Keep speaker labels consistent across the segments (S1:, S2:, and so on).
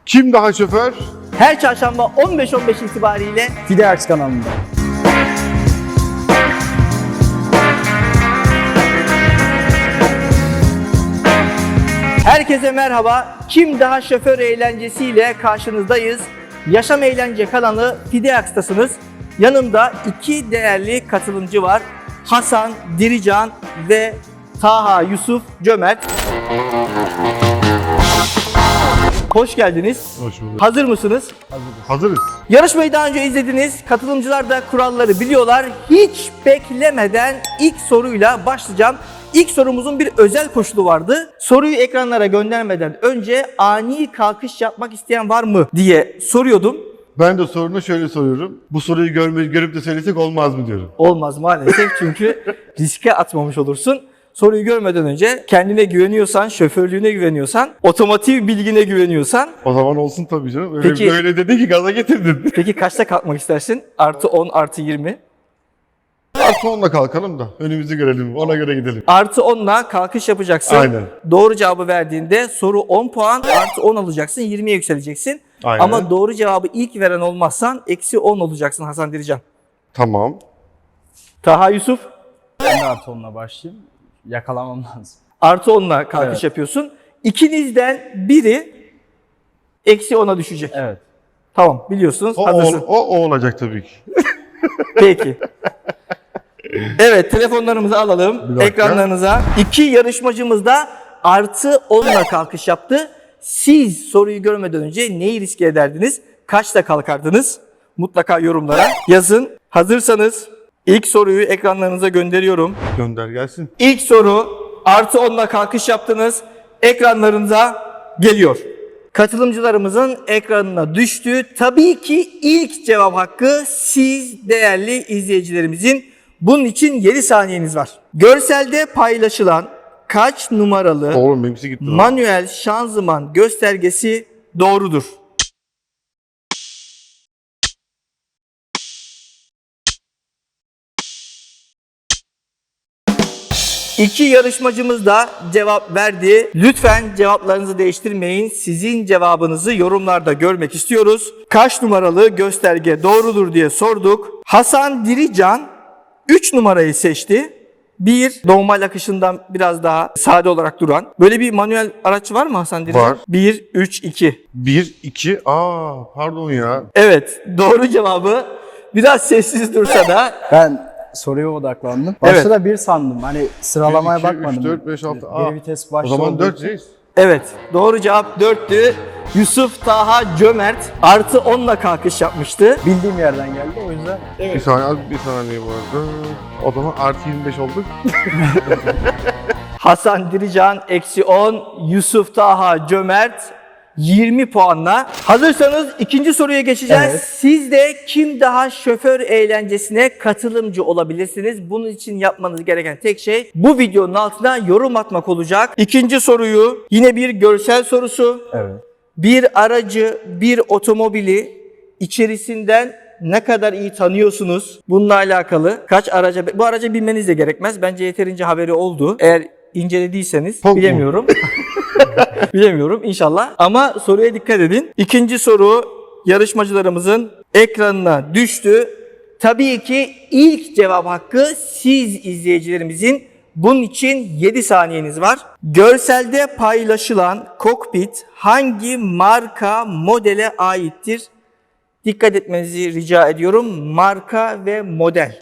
S1: Kim daha şoför?
S2: Her çarşamba 15.15 itibariyle
S3: Fideax kanalında.
S2: herkese merhaba. Kim daha şoför eğlencesiyle karşınızdayız. Yaşam Eğlence kanalı Fideax'tasınız. Yanımda iki değerli katılımcı var. Hasan Dirican ve Taha Yusuf Cömert. Hoş geldiniz.
S1: Hoş bulduk.
S2: Hazır mısınız?
S1: Hazırız.
S2: Yarışmayı daha önce izlediniz. Katılımcılar da kuralları biliyorlar. Hiç beklemeden ilk soruyla başlayacağım. İlk sorumuzun bir özel koşulu vardı. Soruyu ekranlara göndermeden önce ani kalkış yapmak isteyen var mı diye soruyordum.
S1: Ben de sorunu şöyle soruyorum. Bu soruyu görüp de söylesek olmaz mı diyorum.
S2: Olmaz maalesef çünkü riske atmamış olursun. Soruyu görmeden önce kendine güveniyorsan, şoförlüğüne güveniyorsan, otomotiv bilgine güveniyorsan.
S1: O zaman olsun tabii canım. Öyle,
S2: Peki-
S1: öyle dedin ki gaza getirdin.
S2: Peki kaçta kalkmak istersin? Artı 10, artı 20.
S1: Artı 10'la kalkalım da önümüzü görelim. Ona göre gidelim.
S2: Artı 10'la kalkış yapacaksın.
S1: Aynen.
S2: Doğru cevabı verdiğinde soru 10 puan, artı 10 alacaksın, 20'ye yükseleceksin.
S1: Aynen.
S2: Ama doğru cevabı ilk veren olmazsan eksi 10 olacaksın Hasan Dirican.
S1: Tamam.
S2: Taha Yusuf,
S3: Ben de artı onunla başlayayım. Yakalamam lazım.
S2: artı 10'la kalkış
S3: Evet.
S2: yapıyorsun. İkinizden biri eksi 10'a düşecek.
S3: Evet.
S2: Tamam, biliyorsunuz, hazırsın.
S1: O olacak tabii ki.
S2: Peki. Evet, telefonlarımızı alalım
S1: Bir dakika.
S2: ekranlarınıza. İki yarışmacımız da artı 10'la kalkış yaptı. Siz soruyu görmeden önce neyi riske ederdiniz? Kaçta kalkardınız? Mutlaka yorumlara yazın. Hazırsanız ilk soruyu ekranlarınıza gönderiyorum.
S1: Gönder gelsin.
S2: İlk soru artı 10'la kalkış yaptınız. Ekranlarınıza geliyor. Katılımcılarımızın ekranına düştü. Tabii ki ilk cevap hakkı siz değerli izleyicilerimizin. Bunun için 7 saniyeniz var. Görselde paylaşılan kaç numaralı
S1: Oğlum benimkisi gitti. lan.
S2: manuel şanzıman göstergesi doğrudur? İki yarışmacımız da cevap verdi. Lütfen cevaplarınızı değiştirmeyin. Sizin cevabınızı yorumlarda görmek istiyoruz. Kaç numaralı gösterge doğrudur diye sorduk. Hasan Dirican 3 numarayı seçti. Bir, normal akışından biraz daha sade olarak duran. Böyle bir manuel araç var mı Hasan Dirican?
S1: Var.
S2: 1, 3, 2.
S1: 1, 2, pardon ya.
S2: Evet, doğru cevabı biraz sessiz dursa da
S3: Ben soruya odaklandım.
S2: Evet.
S3: Başta da bir sandım. Hani sıralamaya
S1: 1, 2,
S3: bakmadım.
S1: 3, 4, 5, 6.
S3: Geri vites
S1: O
S3: başta
S1: zaman
S3: olduğu
S1: 4
S3: için.
S1: reis.
S2: evet, doğru cevap 4'tü. Yusuf Taha Cömert artı 10'la kalkış yapmıştı.
S3: Bildiğim yerden geldi o yüzden.
S1: Bir saniye bu arada. O zaman artı 25 olduk.
S2: Hasan Dirican eksi 10, Yusuf Taha Cömert 20 puanla. Hazırsanız ikinci soruya geçeceğiz.
S3: Evet.
S2: Siz de kim daha şoför eğlencesine katılımcı olabilirsiniz. Bunun için yapmanız gereken tek şey bu videonun altına yorum atmak olacak. İkinci soruyu yine bir görsel sorusu.
S3: Evet.
S2: Bir aracı, bir otomobili içerisinden ne kadar iyi tanıyorsunuz? Bununla alakalı kaç araca, bu araca binmeniz de gerekmez. Bence yeterince haberi oldu. Eğer incelediyseniz
S1: Çok mu?
S2: bilemiyorum. Bilemiyorum inşallah. Ama soruya dikkat edin. İkinci soru yarışmacılarımızın ekranına düştü. Tabii ki ilk cevap hakkı siz izleyicilerimizin. Bunun için 7 saniyeniz var. Görselde paylaşılan kokpit hangi marka modele aittir? Dikkat etmenizi rica ediyorum. Marka ve model.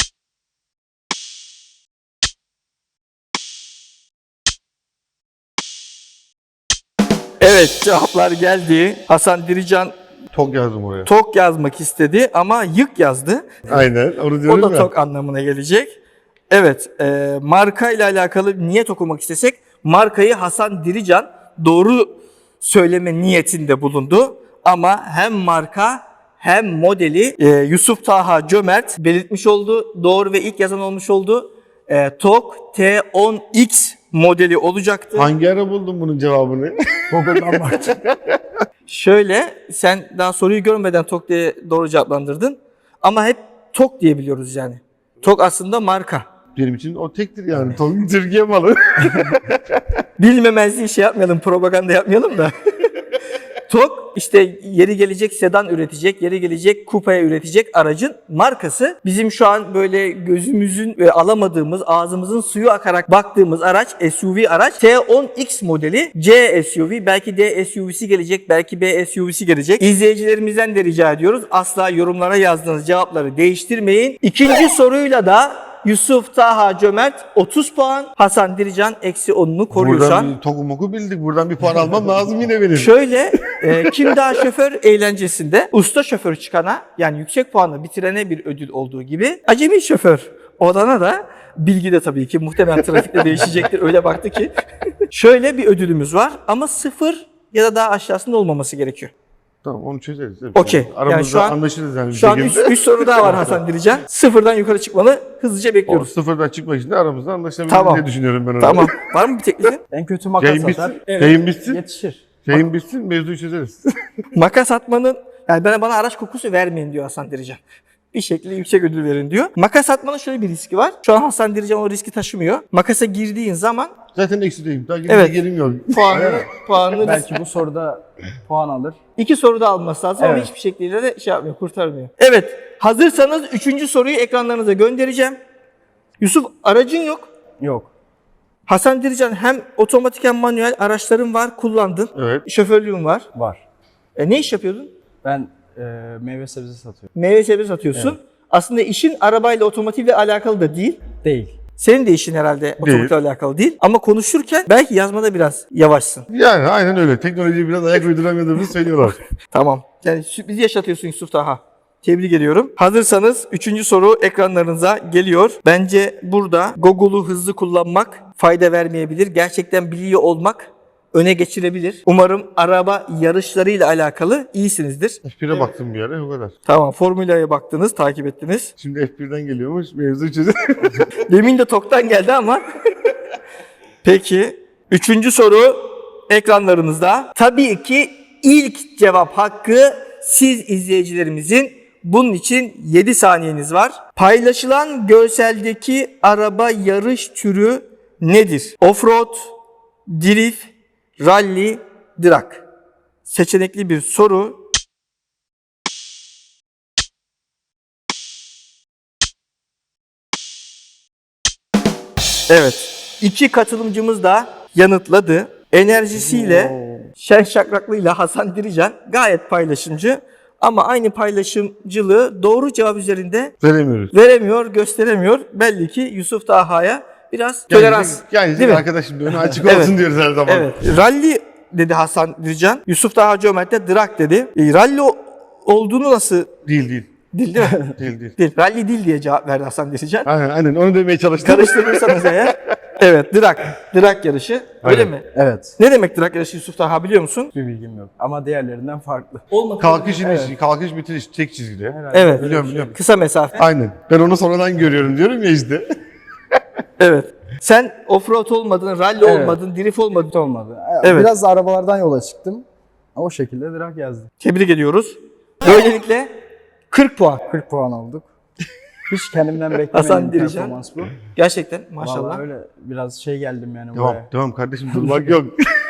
S2: Evet, cevaplar geldi. Hasan Dirican
S1: Tok yazdım oraya.
S2: tok yazmak istedi ama yık yazdı.
S1: Aynen. Onu
S2: O
S1: diyorum
S2: da
S1: ya.
S2: tok anlamına gelecek. Evet, marka ile alakalı niyet okumak istesek markayı Hasan Dirican doğru söyleme niyetinde bulundu. Ama hem marka hem modeli Yusuf Taha Cömert belirtmiş oldu. Doğru ve ilk yazan olmuş oldu. TOG T10X modeli olacaktı.
S1: Hangi ara buldun bunun cevabını?
S3: Google'dan baktım.
S2: Şöyle, sen daha soruyu görmeden TOG diye doğru cevaplandırdın. Ama hep TOG diye biliyoruz yani. TOG aslında marka.
S1: Benim için o tektir yani. Tok Türkiye malı.
S2: Bilmemezliği şey yapmayalım, propaganda yapmayalım da. TOG işte yeri gelecek sedan üretecek, yeri gelecek kupaya üretecek aracın markası. Bizim şu an böyle gözümüzün alamadığımız, ağzımızın suyu akarak baktığımız araç, SUV araç T10X modeli C SUV. Belki D SUV'si gelecek, belki B SUV'si gelecek. İzleyicilerimizden de rica ediyoruz. Asla yorumlara yazdığınız cevapları değiştirmeyin. İkinci soruyla da Yusuf Taha Cömert 30 puan, Hasan Dirican eksi 10'unu koruyor şu
S1: Buradan
S2: an.
S1: bir toku moku bildik. Buradan bir puan almam lazım yine benim.
S2: Şöyle kim daha şoför eğlencesinde usta şoför çıkana yani yüksek puanla bitirene bir ödül olduğu gibi acemi şoför olana da bilgi de tabii ki muhtemelen trafikte değişecektir öyle baktı ki. Şöyle bir ödülümüz var ama 0 ya da daha aşağısında olmaması gerekiyor.
S1: Tamam onu çözeriz.
S2: Okey.
S1: Aramızda
S2: Yani şu an-
S1: anlaşırız yani bir
S2: Şu an
S1: şekilde.
S2: 3 soru daha var Hasan Dirican. 0'dan yukarı çıkmanı hızlıca
S1: O
S2: bekliyoruz.
S1: sıfırdan çıkmak için de aramızda anlaşabiliriz
S2: Tamam.
S1: diye düşünüyorum ben onu.
S2: Tamam. Var mı bir teklifin?
S3: En kötü makas
S1: Yayın
S3: atar.
S1: bitsin. Yayın bitsin.
S3: Yetişir.
S1: Yayın bitsin mevzuyu çözeriz.
S2: Makas atmanın yani bana araç kokusu vermeyin diyor Hasan Dirican. Bir şekilde yüksek ödül verin diyor. Makas atmanın şöyle bir riski var. Şu an Hasan Dirican o riski taşımıyor. Makasa girdiğin zaman
S1: Zaten eksideyim. Daha
S2: Evet.
S1: gelim yok.
S2: puanını
S3: Belki bu soruda puan alır.
S2: 2 soruda alması lazım ama
S3: Evet.
S2: hiçbir şekilde de şey yapmıyor, kurtarmıyor. Evet, hazırsanız 3. soruyu ekranlarınıza göndereceğim. Yusuf aracın yok.
S3: Yok.
S2: Hasan Dirican hem otomatik hem manuel araçların var, kullandın.
S1: Evet.
S2: Şoförlüğün var.
S3: Var.
S2: Ne iş yapıyordun?
S3: Ben meyve sebze satıyorum.
S2: Meyve sebze satıyorsun. Aslında işin arabayla otomotivle alakalı da değil.
S3: Değil.
S2: Senin de işin herhalde otomotivle alakalı değil. Ama konuşurken belki yazmada biraz yavaşsın.
S1: Yani aynen öyle. Teknolojiye biraz ayak uyduramadığımızı söylüyorlar.
S2: Tamam. Yani sürpriz yaşatıyorsun Yusuf Taha. Tebrik ediyorum. Hazırsanız 3. soru ekranlarınıza geliyor. Bence burada Google'u hızlı kullanmak fayda vermeyebilir. Gerçekten biliyor olmak öne geçirebilir. Umarım araba yarışlarıyla alakalı iyisinizdir.
S1: F1'e baktım bir ara o kadar.
S2: Tamam, formülaya baktınız, takip ettiniz.
S1: Şimdi F1'den geliyormuş mevzu çözüm.
S2: Demin de TOK'tan geldi ama. Peki. 3. soru ekranlarınızda. Tabii ki ilk cevap hakkı siz izleyicilerimizin. Bunun için 7 saniyeniz var. Paylaşılan görseldeki araba yarış türü nedir? Offroad, drift, rally, drag. Seçenekli bir soru. Evet. 2 katılımcımız da yanıtladı. Enerjisiyle, şen şakraklığıyla Hasan Dirican gayet paylaşımcı. Ama aynı paylaşımcılığı doğru cevap üzerinde
S1: Veremiyoruz.
S2: veremiyor, gösteremiyor. Belli ki Yusuf Taha'ya biraz tolerans.
S1: Yani
S2: Değil mi?
S1: arkadaşım da önü açık
S2: Evet.
S1: olsun diyoruz her zaman.
S2: Evet. Rally dedi Hasan Dirican. Yusuf Taha Cömert de drag dedi. Rally olduğunu nasıl
S1: Değil değil.
S2: değil mi?
S1: Değil.
S2: Değil. Rally değil diye cevap verdi Hasan Dirican.
S1: Aynen onu demeye çalıştım.
S2: Karıştırırsanız eğer. Evet, drag. Drag yarışı. Öyle
S1: Aynen.
S2: mi?
S3: Evet.
S2: Ne demek drag yarışı Yusuf Taha biliyor musun?
S3: Bir bilgim yok. Ama diğerlerinden farklı.
S1: Kalkış iniş, kalkış bitiriş tek çizgide.
S3: Herhalde
S2: Evet.
S3: böyle bir
S1: Biliyorum
S3: şey.
S1: biliyorum.
S2: Kısa mesafe.
S1: Aynen. Ben onu sonradan görüyorum diyorum ya işte.
S2: Evet. Sen offroad olmadın, rally
S3: Evet.
S2: olmadın, drift olmadın.
S3: Hiç olmadı.
S2: Evet.
S3: Biraz da arabalardan yola çıktım. O şekilde drag yazdım.
S2: Tebrik ediyoruz. Böylelikle 40 puan.
S3: 40 puan aldık. Hiç kendimden
S2: Hasan
S3: beklemediğim bir
S2: Dirican.
S3: performans bu.
S2: Gerçekten maşallah.
S3: Vallahi öyle biraz şey geldim yani
S1: Devam,
S3: buraya.
S1: devam kardeşim durmak yok.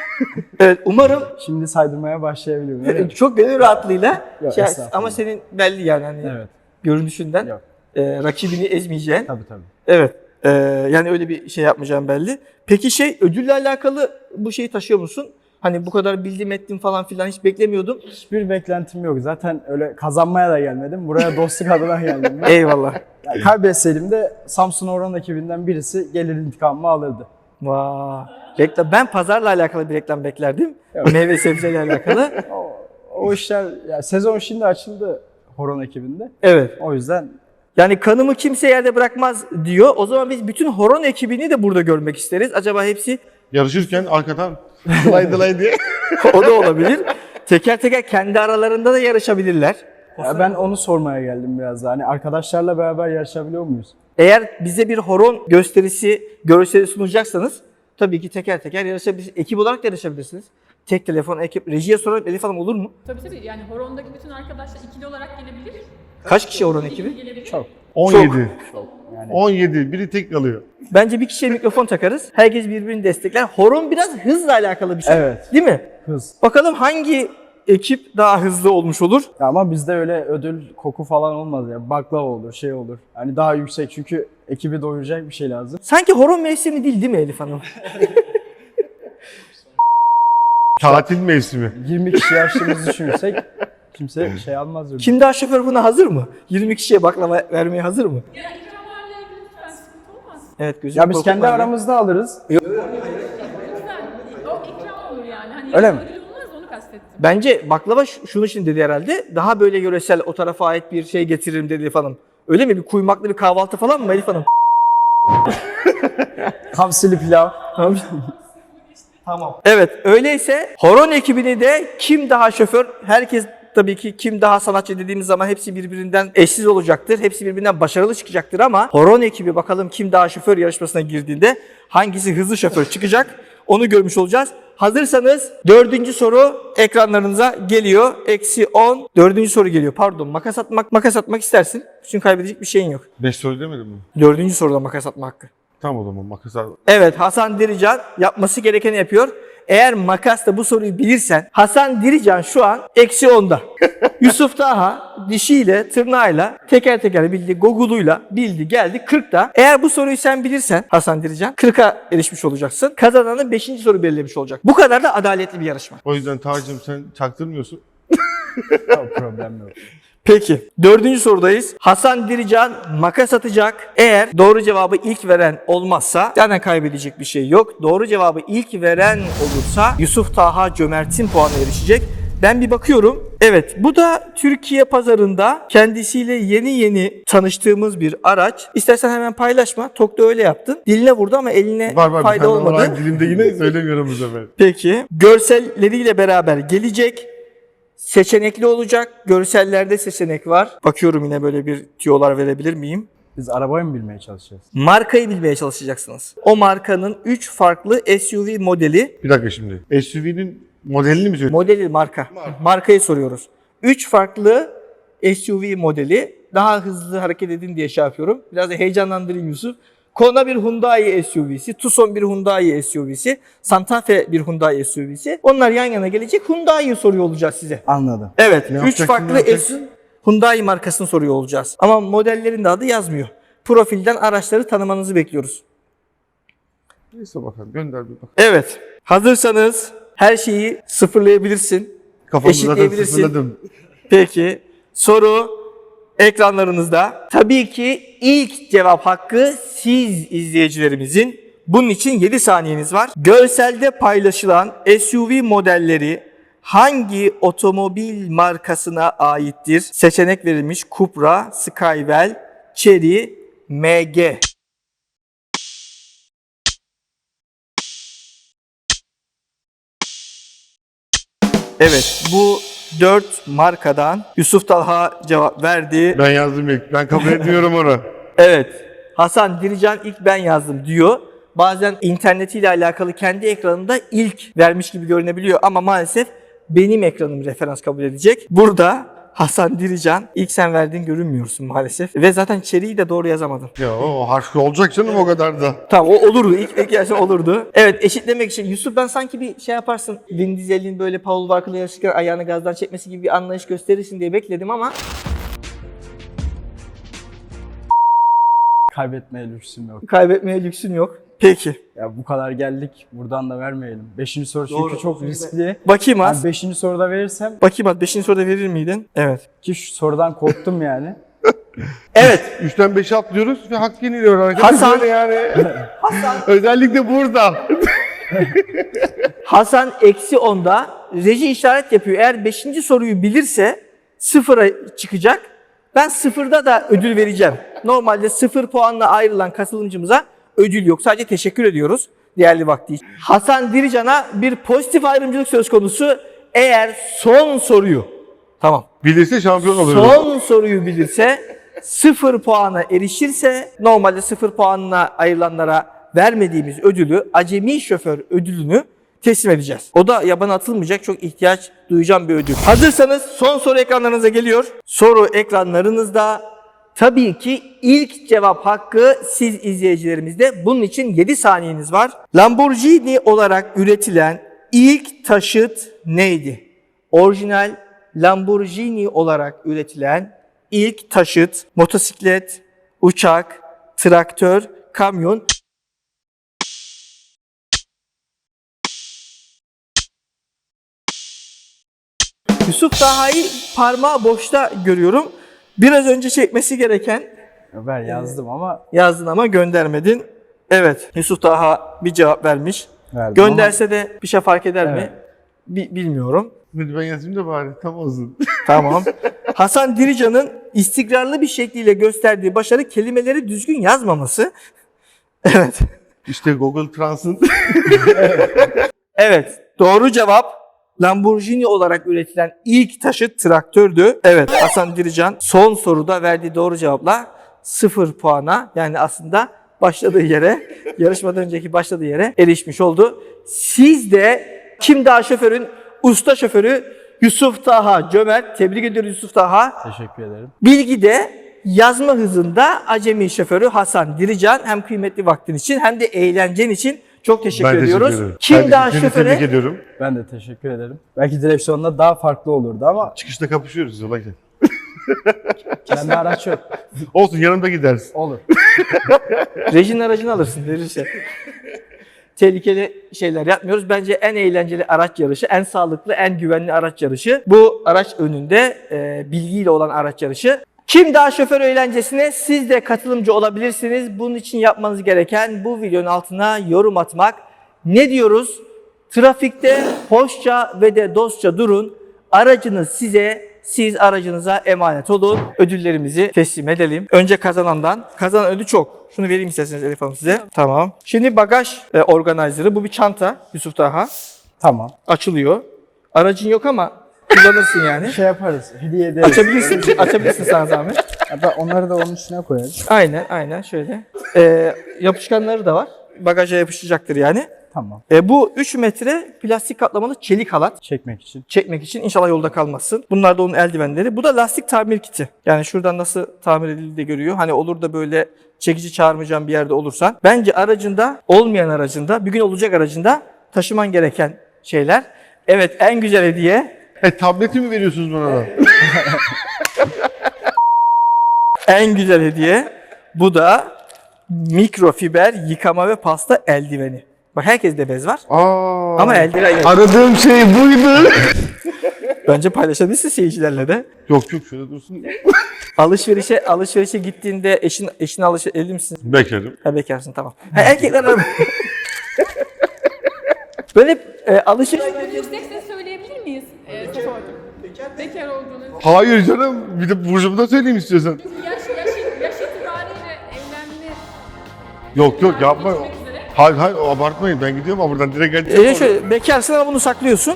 S2: Evet, umarım
S3: Şimdi saydırmaya başlayabiliyorum. Öyle mi?
S2: çok gönül rahatlığıyla
S3: Yok, estağfurullah.
S2: ama senin belli yani hani
S3: Evet.
S2: görünüşünden
S3: Yok.
S2: rakibini ezmeyeceğin.
S3: Tabii tabii.
S2: Evet. Yani öyle bir şey yapmayacağım belli. Peki ödülle alakalı bu şeyi taşıyor musun? Hani bu kadar bildim ettim falan filan hiç beklemiyordum.
S3: Hiçbir beklentim yok. Zaten öyle kazanmaya da gelmedim. Buraya dostluk adına geldim ben.
S2: Eyvallah.
S3: Yani kaybetseydim de Samsun Orhan ekibinden birisi gelir intikamımı alırdı.
S2: Vay. Reklam. Ben pazarla alakalı bir reklam beklerdim.
S3: Evet.
S2: Meyve sebzeyle alakalı.
S3: O işler, yani sezon şimdi açıldı Horon ekibinde.
S2: Evet.
S3: O yüzden
S2: Yani kanımı kimse yerde bırakmaz diyor. O zaman biz bütün horon ekibini de burada görmek isteriz. Acaba hepsi
S1: Yarışırken arkadan dılay diye.
S2: o da olabilir. Teker teker kendi aralarında da yarışabilirler.
S3: ya ben onu sormaya geldim biraz daha. Hani arkadaşlarla beraber yarışabiliyor muyuz?
S2: Eğer bize bir horon görseli sunacaksanız tabii ki teker teker yarışabilirsiniz. Ekip olarak da yarışabilirsiniz. Tek telefon, ekip, rejiye soralım Elif Hanım olur mu?
S4: Tabii yani horondaki bütün arkadaşlar ikili olarak gelebilir.
S2: Kaç kişi horon ekibi?
S4: Gelebilir.
S3: Çok.
S1: 17.
S3: Yani
S1: 17. Biri tek kalıyor.
S2: Bence bir kişiye mikrofon takarız. Herkes birbirini destekler. Horon biraz hızla alakalı bir şey.
S3: Evet.
S2: Değil mi?
S3: hız.
S2: Bakalım hangi ekip daha hızlı olmuş olur.
S3: Ya ama bizde öyle ödül koku falan olmaz ya. Baklava olur, şey olur. Hani daha yüksek çünkü ekibi doyuracak bir şey lazım.
S2: Sanki horon mevsimi değil mi Elif Hanım?
S1: Tatil mevsimi.
S3: 20 kişi açtığımızı düşünürsek kimse şey almaz. ödül.
S2: Kim daha şoför buna hazır mı? 20 kişiye baklava vermeye hazır mı?
S4: Ya ikramlarla ilgili lütfen sıkıntı olmaz.
S2: Evet gözüm
S3: Ya biz
S2: korkut
S3: kendi
S2: var.
S3: aramızda alırız.
S4: Lütfen. O ikram olur yani. Hani
S3: Öyle mi?
S4: ödül olmaz onu kastettim.
S2: Bence baklava şunun için dedi herhalde. Daha böyle yöresel o tarafa ait bir şey getiririm dedi Elif Hanım. Öyle mi? Bir kuymaklı bir kahvaltı falan mı Elif Hanım?
S3: Hamsili pilav.
S2: Tamam. Evet öyleyse horon ekibini de kim daha şoför, herkes tabii ki kim daha sanatçı dediğimiz zaman hepsi birbirinden eşsiz olacaktır. Hepsi birbirinden başarılı çıkacaktır ama horon ekibi bakalım kim daha şoför yarışmasına girdiğinde hangisi hızlı şoför çıkacak onu görmüş olacağız. Hazırsanız 4. soru ekranlarınıza geliyor. -10. 4. soru geliyor. Pardon makas atmak istersin. Çünkü kaybedecek bir şeyin yok.
S1: 5 soru demedim mi?
S2: 4. soruda makas atma hakkı.
S1: Tamam o zaman makas al.
S2: Evet Hasan Dirican yapması gerekeni yapıyor. Eğer makasla bu soruyu bilirsen Hasan Dirican şu an -10'da. Yusuf Taha dişiyle, tırnağıyla, teker teker bildi, Google'uyla bildi, geldi 40'ta. Eğer bu soruyu sen bilirsen Hasan Dirican 40'a erişmiş olacaksın. Kazananı 5. soru belirlemiş olacak. Bu kadar da adaletli bir yarışma.
S1: O yüzden Tacım sen çaktırmıyorsun.
S3: Tamam, problem yok.
S2: Peki 4. sorudayız. Hasan Dirican makas atacak. Eğer doğru cevabı ilk veren olmazsa zaten kaybedecek bir şey yok. Doğru cevabı ilk veren olursa Yusuf Taha Cömert'in puanına erişecek. Ben bir bakıyorum. Evet bu da Türkiye pazarında kendisiyle yeni tanıştığımız bir araç. İstersen hemen paylaşma. Tok da öyle yaptın. Diline vurdu ama eline
S1: Var bir
S2: fayda
S1: tane
S2: olmadı.
S1: var dilimde yine söylemiyorum bu sefer.
S2: Peki görselleriyle beraber gelecek. Seçenekli olacak. Görsellerde seçenek var. Bakıyorum yine böyle bir tüyolar verebilir miyim?
S3: Biz arabayı mı bilmeye çalışacağız?
S2: Markayı bilmeye çalışacaksınız. O markanın 3 farklı SUV modeli.
S1: Bir dakika şimdi. SUV'nin modelini mi söylüyorsun?
S2: Modeli marka. Markayı soruyoruz. 3 farklı SUV modeli. Daha hızlı hareket edin diye şey yapıyorum. Biraz da heyecanlandırayım Yusuf. Kona bir Hyundai SUV'si, Tucson bir Hyundai SUV'si, Santa Fe bir Hyundai SUV'si. Onlar yan yana gelecek. Hyundai'yi soruyor olacağız size.
S3: Anladım.
S2: Evet,
S1: Ne
S2: 3
S1: yapacaksın,
S2: farklı
S1: ne yapacaksın?
S2: Hyundai markasını soruyor olacağız. Ama modellerin de adı yazmıyor. Profilden araçları tanımanızı bekliyoruz.
S1: Neyse bakalım gönder bir bak.
S2: Evet, hazırsanız her şeyi sıfırlayabilirsin.
S1: Kafamı zaten
S2: Eşitleyebilirsin.
S1: sıfırladım.
S2: Peki, soru ekranlarınızda. Tabii ki ilk cevap hakkı siz izleyicilerimizin. Bunun için 7 saniyeniz var. Görselde paylaşılan SUV modelleri hangi otomobil markasına aittir? Seçenek verilmiş: Cupra, Skywell, Chery, MG. Evet, bu 4 markadan Yusuf Talha cevap verdi.
S1: Ben yazdım ilk. Ben kabul etmiyorum onu.
S2: Evet, Hasan Dirican ilk ben yazdım diyor. Bazen internetiyle alakalı kendi ekranında ilk vermiş gibi görünebiliyor ama maalesef benim ekranım referans kabul edecek. Burada Hasan Dirican ilk sen verdiğin görünmüyorsun maalesef. Ve zaten Chery'yi de doğru yazamadın.
S1: Ya o harf olacak canım o kadar da.
S2: Tamam o olurdu. İlk gelse olurdu. Evet eşitlemek için Yusuf ben sanki bir şey yaparsın. Vin Diesel'in böyle Paul Walker'la yarışırken ayağını gazdan çekmesi gibi bir anlayış gösterirsin diye bekledim ama
S3: Kaybetmeye lüksüm yok.
S2: kaybetmeye lüksün yok. Peki.
S3: Ya bu kadar geldik. Buradan da vermeyelim. 5. soru çünkü
S2: Doğru.
S3: çok riskli.
S2: Bakayım
S3: Ben
S2: az.
S3: 5. soruda verirsem
S2: Bakayım az. 5. soruda verir miydin? Evet.
S3: ki şu sorudan korktum yani.
S2: Evet.
S1: 3'ten 5'e atlıyoruz ve hak yeniliyor arkadaşlar.
S2: Hasan.
S1: Böyle yani. Özellikle burada.
S2: Hasan -10'da reji işaret yapıyor. Eğer 5. soruyu bilirse 0'a çıkacak. Ben 0'da da ödül vereceğim. Normalde 0 puanla ayrılan katılımcımıza ödül yok. Sadece teşekkür ediyoruz değerli vakti için. Hasan Dirican'a bir pozitif ayrımcılık söz konusu. Eğer son soruyu
S1: Bilirse şampiyon oluyoruz.
S2: son soruyu bilirse 0 puana erişirse normalde 0 puanla ayrılanlara vermediğimiz ödülü acemi şoför ödülünü teslim edeceğiz. O da yabana atılmayacak çok ihtiyaç duyacağım bir ödül. Hazırsanız son soru ekranlarınıza geliyor. Soru ekranlarınızda. Tabii ki ilk cevap hakkı siz izleyicilerimizde. Bunun için 7 saniyeniz var. Lamborghini olarak üretilen ilk taşıt neydi? orijinal Lamborghini olarak üretilen ilk taşıt, motosiklet, uçak, traktör, kamyon. Yusuf Taha'yı parmağı boşta görüyorum. Biraz önce çekmesi gereken
S3: Ben yazdım ama
S2: yazdın ama göndermedin. Evet, Yusuf Taha bir cevap vermiş.
S3: verdim
S2: Gönderse de bir şey fark eder mi?
S3: Evet.
S2: Bilmiyorum.
S1: Hadi ben yazayım da bari tam olsun.
S2: Tamam. Hasan Dirican'ın istikrarlı bir şekliyle gösterdiği başarı kelimeleri düzgün yazmaması. Evet.
S1: İşte Google Translate.
S2: Evet. Doğru cevap Lamborghini olarak üretilen ilk taşıt traktördü. Evet, Hasan Dirican son soruda verdiği doğru cevapla 0 puana, yani aslında başladığı yere, yarışmadan önceki başladığı yere erişmiş oldu. Siz de Kim Daha Şoför'ün usta şoförü Yusuf Taha Cömert. Tebrik ediyoruz Yusuf Taha.
S3: Teşekkür ederim.
S2: Bilgide yazma hızında acemi şoförü Hasan Dirican. Hem kıymetli vaktin için hem de eğlencen için çok teşekkür
S1: Ben
S2: ediyoruz.
S1: teşekkür ederim.
S2: Kim
S1: Ben
S2: Daha
S1: seni
S2: Şoför'e
S1: tebrik ediyorum.
S3: Ben de teşekkür ederim. Belki direksiyonda daha farklı olurdu ama
S1: Çıkışta kapışıyoruz yola gel.
S3: bende araç yok.
S1: Olsun yanımda gidersin.
S3: Olur.
S2: rejinin aracını alırsın verirse. Tehlikeli şeyler yapmıyoruz. Bence en eğlenceli araç yarışı, en sağlıklı, en güvenli araç yarışı. Bu araç önünde bilgiyle olan araç yarışı. Kim Daha Şoför eğlencesine siz de katılımcı olabilirsiniz. Bunun için yapmanız gereken bu videonun altına yorum atmak. Ne diyoruz? Trafikte hoşça ve de dostça durun. Aracınız size, siz aracınıza emanet olun. Ödüllerimizi teslim edelim. Önce kazanandan. Kazanan ödül çok. Şunu vereyim isterseniz Elif Hanım size. Tamam. Şimdi bagaj organizer'ı. Bu bir çanta Yusuf Taha.
S3: Tamam.
S2: Açılıyor. Aracın yok ama kullanırsın yani.
S3: Şey yaparız. Hediye ederiz.
S2: Açabilirsin sana zahmet.
S3: Hatta onları da onun üstüne koyarız.
S2: Aynen şöyle. Yapışkanları da var. Bagaja yapışacaktır yani.
S3: Tamam.
S2: Bu 3 metre plastik kaplamalı çelik halat.
S3: Çekmek için.
S2: Çekmek için inşallah yolda kalmazsın. Bunlar da onun eldivenleri. Bu da lastik tamir kiti. Yani şuradan nasıl tamir edildiği de görüyor. Hani olur da böyle çekici çağırmayacağım bir yerde olursan. Bence aracında, olmayan aracında, bir gün olacak aracında taşıman gereken şeyler. Evet, en güzel hediye.
S1: Tableti mi veriyorsunuz bana da?
S2: En güzel hediye. Bu da mikrofiber yıkama ve pasta eldiveni. Bak herkeste bez var.
S1: Aa,
S2: Ama eldiven yok.
S1: aradığım şey buydu.
S2: Bence paylaşabilirsin seyircilerle de.
S1: Yok şöyle dursun.
S2: Alışverişe gittiğinde eşine evli misin?
S1: Bekarım.
S2: Ha, bekarsın, tamam. Ha, erkekler araba. Böyle alışveriş...
S4: Bunu yüksek ses söyleyebilir miyiz? Sordum. Bekar olduğunu.
S1: Hayır canım. Bir de burcumu söyleyeyim istiyorsan.
S4: Yaş itibariyle evlenme
S1: Yok yapma.
S4: bitmek üzere.
S1: Hayır abartmayın. Ben gidiyorum ama buradan direkt geleceğim.
S2: şöyle bekarsın ama bunu saklıyorsun.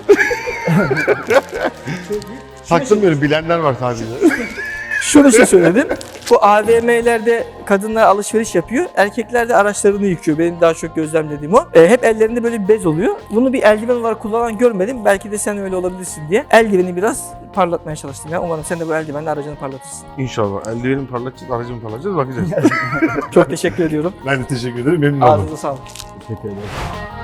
S1: Saklamıyorum. Bilenler var sadece.
S2: Şunu söyledim. Bu AVM'lerde kadınlar alışveriş yapıyor. Erkekler de araçlarını yıkıyor. Benim daha çok gözlemlediğim o. Hep ellerinde böyle bir bez oluyor. Bunu bir eldiven olarak kullanan görmedim. Belki de sen öyle olabilirsin diye. Eldiveni biraz parlatmaya çalıştım ya. Umarım sen de bu eldivenle aracını parlatırsın.
S1: İnşallah. Eldivenimi parlatacağız, aracımı parlatacağız. Bakacağız.
S2: Çok teşekkür ediyorum.
S1: Ben de teşekkür ederim. Memnun oldum.
S2: Ağzınıza sağlık.
S3: Teşekkür ederim.